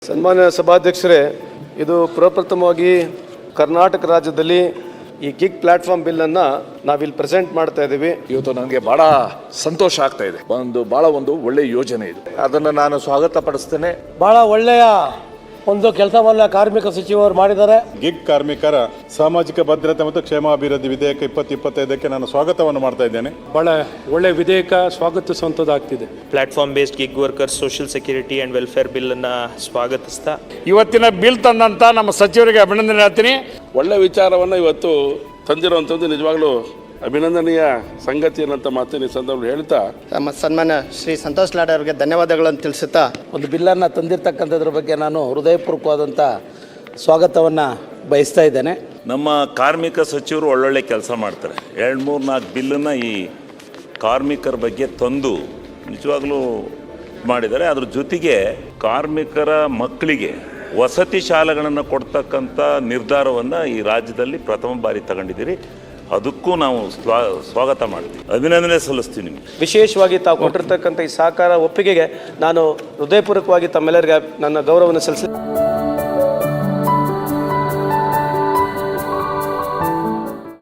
ಸನ್ಮಾನ್ಯ ಸಭಾಧ್ಯಕ್ಷರೇ, ಇದು ಪ್ರಪ್ರಥಮವಾಗಿ ಕರ್ನಾಟಕ ರಾಜ್ಯದಲ್ಲಿ ಈ ಗಿಗ್ ಪ್ಲಾಟ್ಫಾರ್ಮ್ ಬಿಲ್ಲನ್ನು ನಾವಿಲ್ಲಿ ಪ್ರೆಸೆಂಟ್ ಮಾಡ್ತಾ ಇದ್ದೀವಿ. ಇವತ್ತು ನನಗೆ ಬಹಳ ಸಂತೋಷ ಆಗ್ತಾ ಇದೆ. ಬಹಳ ಒಂದು ಒಳ್ಳೆಯ ಯೋಜನೆ ಇದು. ಅದನ್ನು ನಾನು ಸ್ವಾಗತ ಪಡಿಸ್ತೇನೆ. ಬಹಳ ಒಳ್ಳೆಯ ಒಂದು ಕೆಲಸವನ್ನ ಕಾರ್ಮಿಕ ಸಚಿವರು ಮಾಡಿದ್ದಾರೆ. ಗಿಗ್ ಕಾರ್ಮಿಕರ ಸಾಮಾಜಿಕ ಭದ್ರತೆ ಮತ್ತು ಕ್ಷೇಮಾಭಿವೃದ್ಧಿ ವಿಧೇಯಕ 2025ಕ್ಕೆ ನಾನು ಸ್ವಾಗತವನ್ನು ಮಾಡ್ತಾ ಇದ್ದೇನೆ. ಬಹಳ ಒಳ್ಳೆ ವಿಧೇಯಕ ಸ್ವಾಗತಿಸುವಂಥದ್ದಾಗ್ತಿದೆ. Platform based gig workers social security and welfare ಬಿಲ್ಲನ್ನು ಸ್ವಾಗತಿಸ್ತಾ ಇವತ್ತಿನ ಬಿಲ್ ತಂದಂಥ ನಮ್ಮ ಸಚಿವರಿಗೆ ಅಭಿನಂದನೆ ಹೇಳ್ತೀನಿ. ಒಳ್ಳೆ ವಿಚಾರವನ್ನು ಇವತ್ತು ತಂದಿರುವಂಥದ್ದು ನಿಜವಾಗ್ಲೂ ಅಭಿನಂದನೀಯ ಸಂಗತಿ ಅನ್ನೋಂಥ ಮಾತಿನ ಸಂದರ್ಭ ಹೇಳ್ತಾ ನಮ್ಮ ಸನ್ಮಾನ್ಯ ಶ್ರೀ ಸಂತೋಷ್ ಲಾಡ್ ಅವರಿಗೆ ಧನ್ಯವಾದಗಳನ್ನು ತಿಳಿಸುತ್ತಾ ಒಂದು ಬಿಲ್ಲನ್ನು ತಂದಿರತಕ್ಕಂಥದ್ರ ಬಗ್ಗೆ ನಾನು ಹೃದಯಪೂರ್ವಕವಾದಂಥ ಸ್ವಾಗತವನ್ನು ಬಯಸ್ತಾ ಇದ್ದೇನೆ. ನಮ್ಮ ಕಾರ್ಮಿಕ ಸಚಿವರು ಒಳ್ಳೊಳ್ಳೆ ಕೆಲಸ ಮಾಡ್ತಾರೆ. 2-3-4 ಬಿಲ್ಲನ್ನು ಈ ಕಾರ್ಮಿಕರ ಬಗ್ಗೆ ತಂದು ನಿಜವಾಗ್ಲೂ ಮಾಡಿದ್ದಾರೆ. ಅದ್ರ ಜೊತೆಗೆ ಕಾರ್ಮಿಕರ ಮಕ್ಕಳಿಗೆ ವಸತಿ ಶಾಲೆಗಳನ್ನು ಕೊಡ್ತಕ್ಕಂಥ ನಿರ್ಧಾರವನ್ನು ಈ ರಾಜ್ಯದಲ್ಲಿ ಪ್ರಥಮ ಬಾರಿ ತಗೊಂಡಿದ್ದೀರಿ. ಅದಕ್ಕೂ ನಾವು ಸ್ವಾಗತ ಮಾಡ್ತೀವಿ, ಅಭಿನಂದನೆ ಸಲ್ಲಿಸ್ತೀವಿ ನಿಮಗೆ. ವಿಶೇಷವಾಗಿ ತಾವು ಕೊಟ್ಟಿರ್ತಕ್ಕಂಥ ಈ ಸಹಕಾರ ಒಪ್ಪಿಗೆಗೆ ನಾನು ಹೃದಯಪೂರ್ವಕವಾಗಿ ತಮ್ಮೆಲ್ಲರಿಗೆ ನನ್ನ ಗೌರವವನ್ನು ಸಲ್ಲಿಸಿ